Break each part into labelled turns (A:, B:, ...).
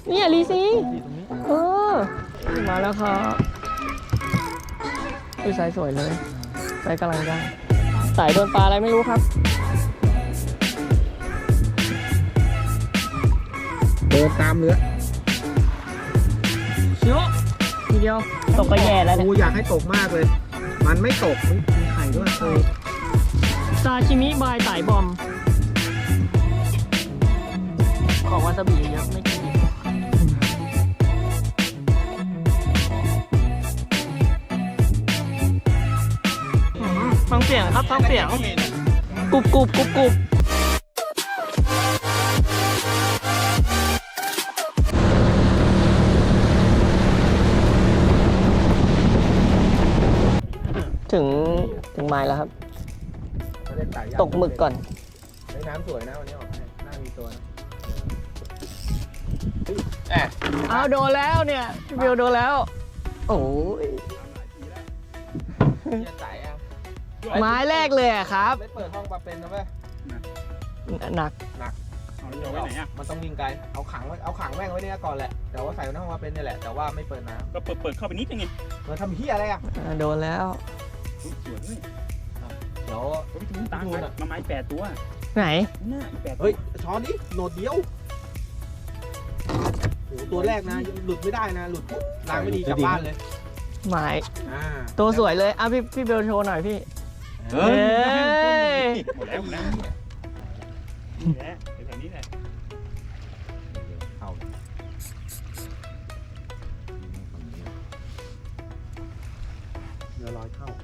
A: เนี่ยลีซี
B: ตรงนี้
A: มาแล้วครับสายสวยเลยสายกำลังได้สายโดนปลาอะไรไม่รู้ครับ
B: เดินตามเรือ
A: ชิวทีเดียวตกก็แย่แล้วเนี่ย
B: กูอยากให้ตกมากเลย มันไม่ตกมีไข่ด้วย
A: ซาชิมิบายสายบอมของวาซาบิเยอะไม่กินฟังเสียงครับฟังเสียงกรุบกรุบกรุบกรุบถึงไม้แล้วครับตกหมึกก่อน
B: ในน้ำสวยนะวันนี้ออกให้น่ามีตัวนะ
A: เอาโดนแล้วเนี่ยพี่บิวโดนแล้วโอ้ย
B: เนี่ยไต่อะ
A: ไม้แรกเลยอะครับ
B: ไม่เปิดห้องปลาเป็นนะเว้ย
A: หนัก
B: เอาไว้ไหนอะมันต้องวิ่งไกลเอาขังแม่งไว้เนี่ยก่อนแหละแต่ว่าใส่ในห้องปลาเป็นนี่แหละแต่ว่าไม่เปิดน้ำ
C: ก็เปิดเข้าไปนิดนึงไง
B: เปิดทำเหี้ยอะไรอะ
A: โดนแล้ว
C: สวยเลย
B: เดี๋ยว
C: ไปถึงตามมาไม้8 ตัว
A: ไหน
C: น่าอีก8
B: เฮ้ยช้อนนี้โหนดเดียวโอ้ตัวแรกนะหลุดไม่ได้นะหลุดปุ๊บล้างไม่ดีกลับบ้านเลย
A: ไม้
B: ตัว
A: สวยเลยอ่ะพี่เบลโชว์หน่อยพี่
C: เฮ้
A: ย
C: ยหมดแล้วนี่แหละแถวนี้แหละ
B: เข้าเรือลอยเข้า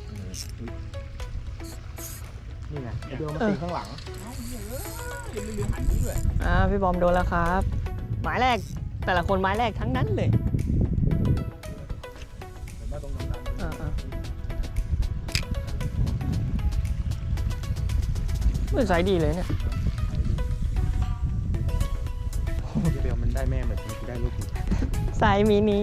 B: นี่ไงเรือมาตีข้างหลัง
A: พี่บอมโดนแล้วครับไม้แรกแต่ละคนไม้แรกทั้งนั้นเลยมันใส่ดีเลยเนี่ย
B: เบลมันได้แม่เหมือนที่ได้ลูก
A: ใส่มินิ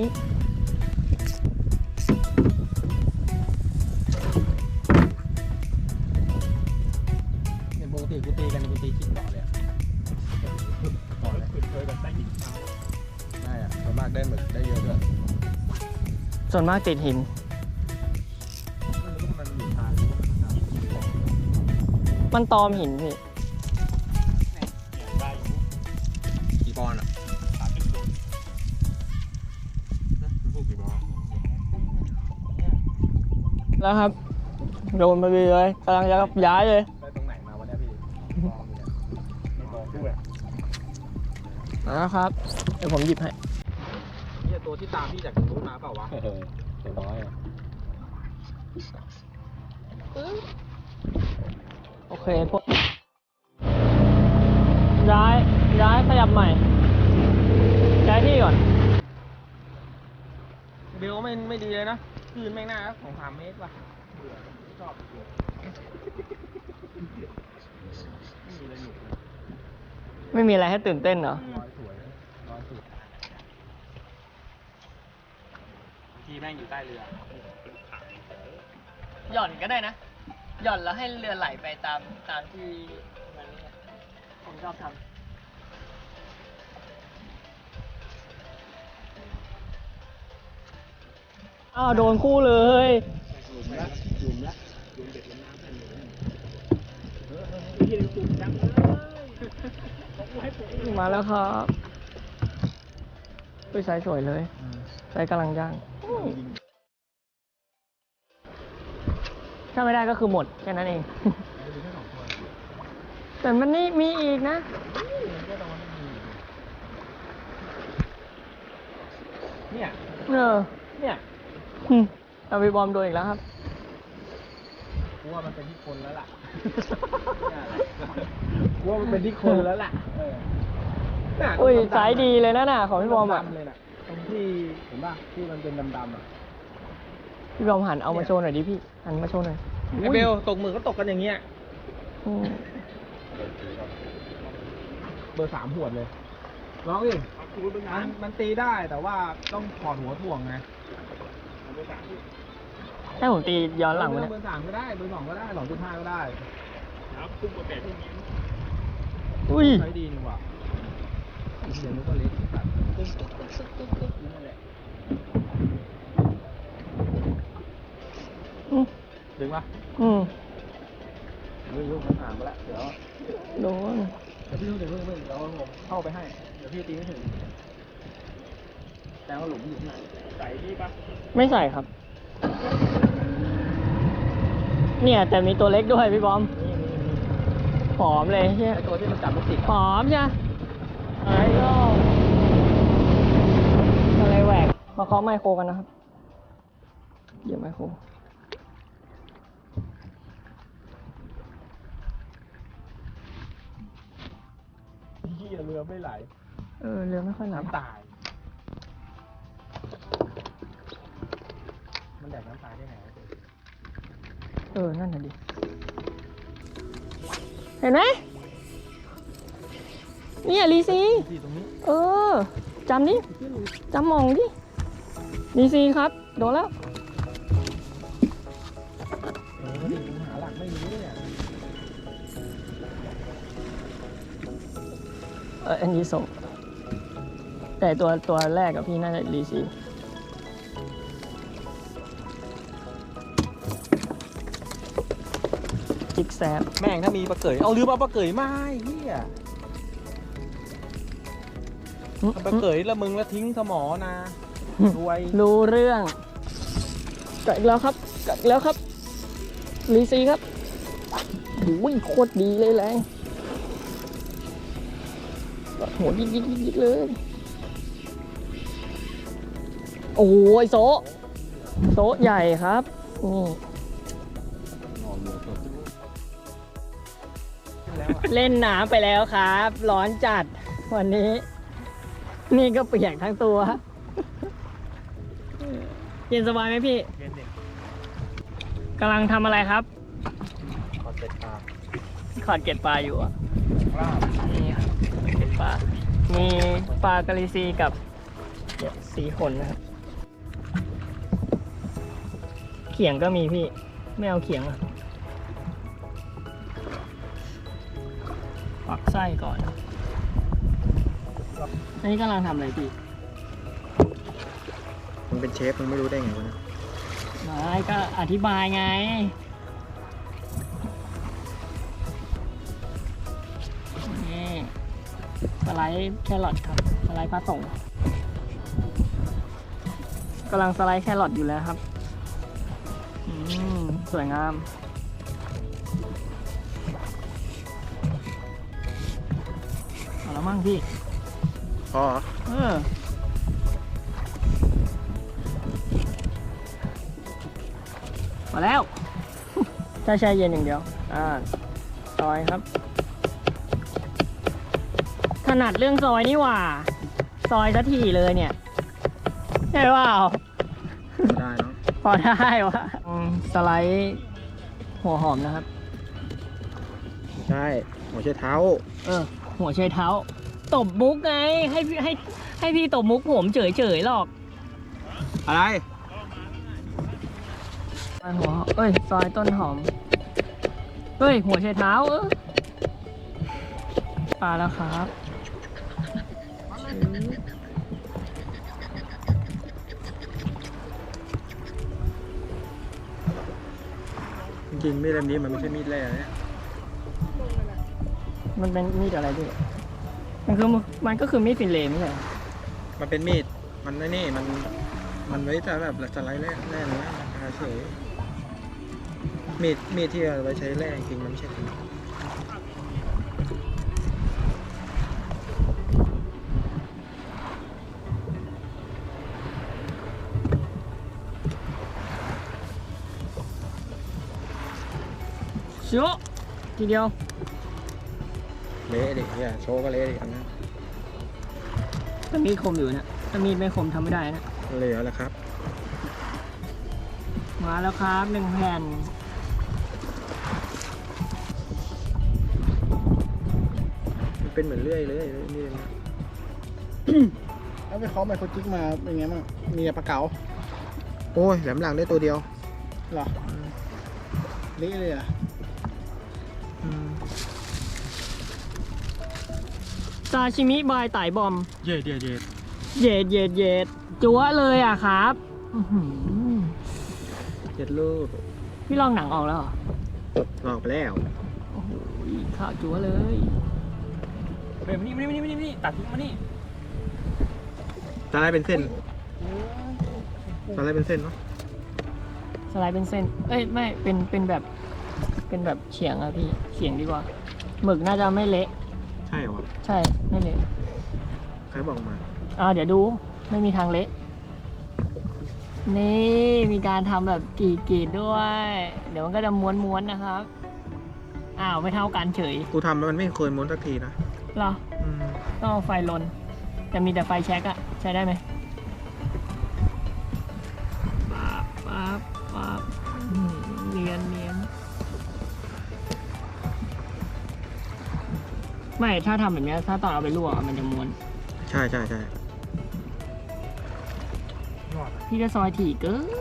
B: เนี่ยปกติกูตีกันกูตีคิดต่อเลยต่อเลย
C: เคยแบบได้หินเท้า
B: ได้อะส่วนมากได้หมึกได้เยอะด้วย
A: ส่วนมากติดหิน
B: ไม่รู้ว่ามันอยู่ทาง
A: มันตอมหินพี่
C: ได้อยู่
B: กี่ปอนด์อ่ะ
C: 30 โล
B: ลูกกี่ปอนด์
A: แล้วครับโดนไปเลยกำลังจะย้ายเลย
B: ได้ตรงไหนมาวันนี้พี่ปอนด์อยู่เนี่ย
C: ไม่บอกด้วย
A: แล้วครับเดี๋ยวผมหยิบให้
B: เนี่ยตัวที่ตามพี่จากตรงนู้นมาเปล่าวะตัวน้อยอ่ะ
A: โอเคพวกย้ายขยับใหม่ย้ายที่ก่อน
B: เบลไม่ดีเลยนะคลื่นแม่งหน้าของ3 เมตรว่ะชอบไม่มีอะไรหนุก
A: ไม่มีอะไรให้ตื่นเต้นเหรอ
B: ร้อยสวยร้อยสุดที่แม่งอยู่ใต้เรือ
A: หย่อนก็ได้นะ หย่อนแล้วให้เรือไหลไปตามที่มันนี่ผมชอบทำอ้าวโดนคู่เลย
C: หลุมละหลุมเด็ดลงน้ำกันอยู่ที่จุ่มจังเลยบอกกูให้ปลุก
A: มาแล้วครับสายสวยเลยสายกำลังย่างถ้าไม่ได้ก็คือหมดแค่นั้นเอง แต่มันนี่มีอีกนะ
B: เนี่ย
A: เนี่ย เอาไปบอมโดนอีกแล้วครับ
B: กูว่ามันเป็นที่คนแล้วล่ะกูว่ามันเป็นที่คนแล้วล่ะ
A: อุ้ยสายดีเลยนะน่ะของพี่บอมอ่ะ
B: เลยน่ะตรงที่เห็นป่ะที่มันเป็นดำๆอ่ะ
A: พี่บอมหันเอามาโชว์หน่อยดิพี่หันมาโชว์หน่อย
B: ไอเบลตกหมึกก็ตกกันอย่างเงี้ย
A: อืม
B: เบอร์ 3 หวดเลยลองดิมันตีได้แต่ว่าต้องถอดหัวถ่วงไง
A: ให้ผมตีย้อนหลังมาเนี่ย
B: เบอร์ 3 ก็ได้เบอร์ 2 ก็ได้ 2.5 ก็ได้
C: ครับคุ้มกว่า8 ที่นี้
A: อุ้ย
B: ใช้ดีนี่หว่าเสียงมันก็เล็กสัตว์
A: ตึ๊กตึ๊กตึ๊กตึ๊กตึ๊กตึ๊กนั่นแหละ
B: ดึงปะ ดึงมันห่างไปแล้วเดี๋ยว
A: โดน
B: พี่ต้องเดี๋ยวเพิ่งเดี๋ยวผมเข้าไปให้ เดี๋ยวพี่ตีไม่ถึง แต่ว่าหลุมอยู่ที่ไหนใส่พี่ปะ
A: ไม่ใส่ครับ เนี่ยแต่มีตัวเล็กด้วยพี่บอมหอมเลยใช่
B: ไอตัวที่มันจับลูกติด
A: หอมใช่ไอ้ก็อะไรแหวกมาเคาะไมโครกันนะครับเดี๋ยวไมโคร
B: พี่เรือไม่ไหล
A: เรือไม่ค่อยหนา
B: น้ำตาย มันแดกน้ำตายได้ไง
A: นั่นน่ะดิ เห็นไหมเนี่ยลีซี
B: ที่ตรงนี้
A: จำดิจำมองดิลีซีครับ โดนแล้ว
B: ดิผมหาหลักไม่รู้เนี่ย
A: อันนี้ส่งแต่ตัวแรกกับพี่น่าจะลีซีจิกแซบ
B: แม่งถ้ามีปลาเกยเอาลืมเอาปลาเกยมาเฮียปลาเกยละมึงแล้วทิ้งสมอนะรวย
A: รู้เรื่องกัดอีกแล้วครับกัดอีกแล้วครับลีซีครับโอ้ยโคตรดีเลยแรงกัดหัวยิกเลยโอ้ยโซะใหญ่ครับนี่เล่นน้ำไปแล้วครับ ร้อนจัดวันนี้ นี่ก็เปียกทั้งตัวเย็นสบายไหมพี่
B: เย็นเด็ก
A: กำลังทำอะไรครับ
B: ขอเสร็จปลา
A: ขอดเกล็ดปลาอยู่อ่ะ
B: ปลา
A: นี่ครับเกล็ดปลา มีปลากะลิซีกับสีขนนะครับ เขียงก็มีพี่ ไม่เอาเขียงอ่ะปักไส้ก่อน อันนี้กำลังทำอะไรพี่
B: มึงเป็นเชฟมึงไม่รู้ได้ไงวะเนี่ย
A: ไม่ก็อธิบายไง นี่สไลด์แครอทครับ สไลด์ปลาส่งกำลังสไลด์แครอทอยู่แล้วครับ สวยงาม เอาแล้วมั่งพี่
B: พอ
A: มาแล้ว ถ้าแช่เย็นอย่างเดียวซอยครับ ถนัดเรื่องซอยนี่หว่า ซอยสักทีเลยเนี่ยใช่เปล่า
B: ได้เนาะ
A: พอได้วะสไลด์หัวหอมนะครับ
B: ใช่หัวใช้เท้า
A: หัวไชเท้า ตบมุกไง ให้พี่ตบมุกผมเฉยๆหรอก
B: อะไร
A: ซอยหัวซอยต้นหอม หัวไชเท้าปลาแล้วครับ
B: จริงๆมีดเล่มนี้มันไม่ใช่มีดแร่เนี่ย
A: มันเป็นมีดอะไรพี่มันก็คือมีดฟินเลย์ไม่ใช่เหรอ
B: มันเป็นมีดมันไม่นี่มันไว้จะแบบสไลด์แร่เนื้อราคาเฉยมีดที่เอาไว้ใช้แร่จริงมันไม่ใช่จริง
A: โชะทีเดียว
B: เละดิเนี่ยโชว์ก็เละดิอันนั้น
A: ถ้ามีดคมอยู่นะถ้ามีดไม่คมทำไม่ได้นะ
B: เหลือแล้วครับ
A: มาแล้วครับ1 แผ่น
B: มันเป็นเหมือนเลื่อยเลยนี่นะ
C: แล้วไปเคาะไมโครจิกมาเป็นไงบ้างมีปลาเก๋า
B: โอ้ยแหลมหลังได้ตัวเดียว
C: เหรอเละเลยอ่ะ
A: ซาชิมิบายไต่บอม
B: เย็ด
A: เย็ดเย็ดเย็ดจั๊วเลยอ่ะครับอื้อหือ
B: เจ็ดลูก
A: พี่ลองหนังออกแล้วเหรอ
B: ลองไปแล้ว
A: โอ้โหข้าวจั๊วเลย
C: เฮ้ยมานี่ตัดทิ้งมานี่
B: สไลด์เป็นเส้นสไลด์เป็นเส้นเนาะ
A: สไลด์เป็นเส้น เอ้ยไม่เป็นแบบเฉียงอะพี่เฉียงดีกว่าหมึกน่าจะไม่เละ
B: ใช่เหรอวะ
A: ใช่ไม่เละ
B: ใครบอกมา
A: เดี๋ยวดูไม่มีทางเละนี่มีการทำแบบกรีดด้วย เดี๋ยวมันก็จะม้วนๆนะครับไม่เท่ากันเฉย
B: กูทำแล้วมันไม่เคยม้วนสักทีนะ
A: เหรอ
B: อืม
A: ต้องเอาไฟลนแต่มีแต่ไฟแช็กอะใช้ได้ไหมปั๊บเนียนไม่ถ้าทำแบบนี้ถ้าตอนเอาไปลวกมันจะม้วน
B: ใช่
A: พี่จะซอยถี่เกิน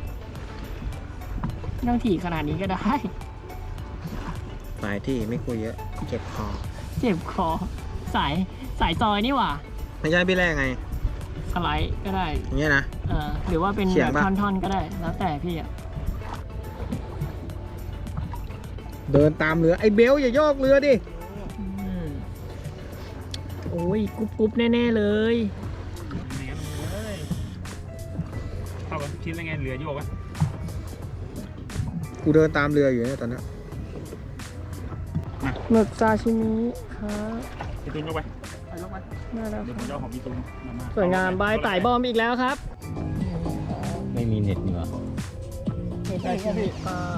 A: ไม่ต้องถี่ขนาดนี้ก็ได้
B: หลายที่ไม่คุยเยอะเจ็บคอ
A: เจ็บคอสายซอยนี่หว่า
B: ไม่ใช่พี่แรกไง
A: สไลด์ก็ได้
B: อย่างเงี้ยนะ
A: หรือว่าเป็น
B: เฉีย
A: แบ
B: ง
A: บ
B: ปะ
A: ท่อนๆก็ได้ แล้วแต่พี่อะ
B: เดินตามเรือไอ้เบลอย่าโยกเรือดิ
A: โอ้ยกรุ๊บแน่ๆเลย
C: ไหนกันเลยเข้ากันชิ้นอะไรไงเหลือโยกวะ
B: กูเดินตามเรืออยู่เนี่ยตอนนี้
A: หมึกซาชิมิครับ
C: พี่ตูนยกไปยกไป
A: น่ารัก
C: เดี๋ยวผมจะเอาของพี่ตูนมา
A: สวยงามบายไต่บอมอีกแล้วครับ
D: ไม่มีเน็ตเหนือ
A: ซาชิมิปลา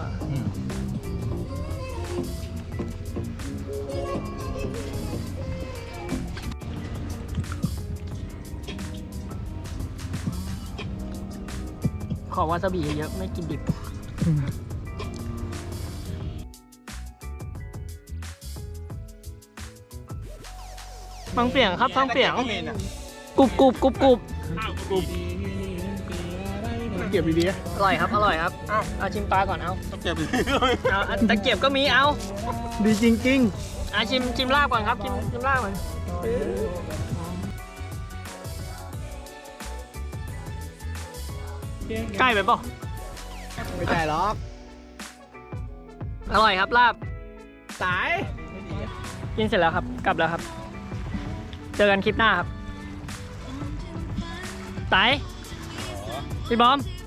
A: ขอวาซาบิเยอะๆไม่กินดิบ ฟังเสียงครับฟังเสียงกรุบ
C: ข้าวกรุบ
B: เก็บดี
A: อร่อยครับอร่อยครับเอาชิมปลาก่อนเอา
B: ๆต้องเก็บ
A: เอาตะเกียบก็มีเอา
B: ดีจริง
A: ชิมลาบก่อนครับชิมลาบก่อนใกล้ไปเปล่า
B: ๆไม่ใช่หรอก
A: อร่อยครับลาบ
B: สาย
A: กินเสร็จแล้วครับกลับแล้วครับ เจอกันคลิปหน้าครับไตพี่บอม